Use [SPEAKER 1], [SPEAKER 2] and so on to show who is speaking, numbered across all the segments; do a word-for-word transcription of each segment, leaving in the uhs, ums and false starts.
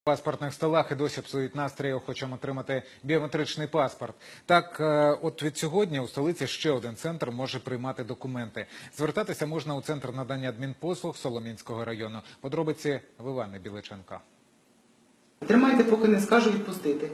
[SPEAKER 1] В паспортних столах і досі псують настрій охочим отримати біометричний паспорт. Так, от від сьогодні у столиці ще один центр може приймати документи. Звертатися можна у Центр надання адмінпослуг Солом'янського району. Подробиці в Івани Біличенка.
[SPEAKER 2] Тримайте, поки не скажу відпустити.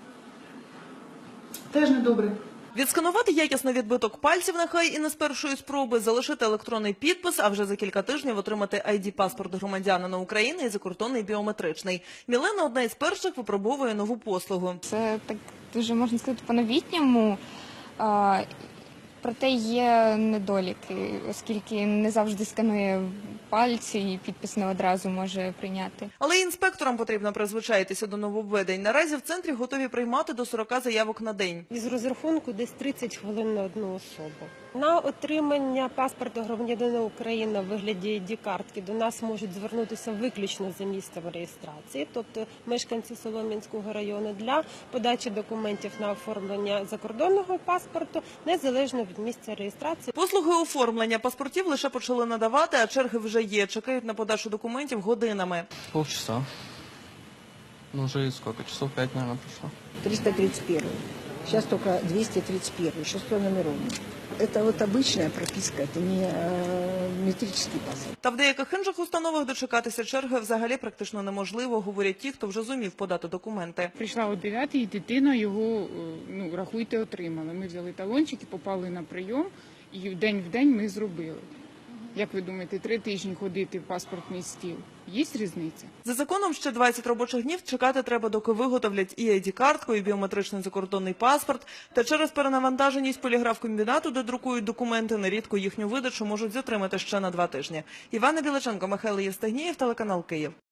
[SPEAKER 2] Теж недобре.
[SPEAKER 3] Відсканувати якісно відбиток пальців, нехай і не з першої спроби, залишити електронний підпис, а вже за кілька тижнів отримати ай ді-паспорт громадянина України і закордонний біометричний. Мілена одна із перших випробовує нову послугу.
[SPEAKER 4] Це так дуже, можна сказати, по-новітньому. А, проте є недоліки, оскільки не завжди сканує пальці і підпис не одразу може прийняти.
[SPEAKER 3] Але інспекторам потрібно призвичаїтися до нововведень. Наразі в центрі готові приймати до сорока заявок на день.
[SPEAKER 5] Із розрахунку десь тридцять хвилин на одну особу. На отримання паспорта громадянина України в вигляді ай ді-картки до нас можуть звернутися виключно за місцем реєстрації, тобто мешканці Солом'янського району, для подачі документів на оформлення закордонного паспорту, незалежно від місця реєстрації.
[SPEAKER 3] Послуги оформлення паспортів лише почали надавати, а черги вже є. Чекають на подачу документів годинами.
[SPEAKER 6] Полчаса. Ну, уже сколько? Часов пять, наверное, прошло.
[SPEAKER 7] триста тридцать первый. Сейчас только двести тридцать первый, шестой номерованный. Это вот обычная прописка, это не э, метрический паспорт.
[SPEAKER 3] Та в деяких інших установах дочекатися черги взагалі практично неможливо, говорять ті, хто вже зумів подати документи.
[SPEAKER 8] Прийшла о дев'ятій, і дитина його, ну, рахуйте, отримала. Ми взяли талончики, попали на прийом, і в день в день ми зробили. Як ви думаєте, три тижні ходити в паспортний стіл? Є різниця?
[SPEAKER 3] За законом ще двадцять робочих днів чекати треба, доки виготовлять і ай ді-картку, і біометричний закордонний паспорт. Та через перенавантаженість поліграф-комбінату, де друкують документи, нерідко їхню видачу можуть затримати ще на два тижні. Івана Біличенко, Михайло Євстигнєєв, телеканал Київ.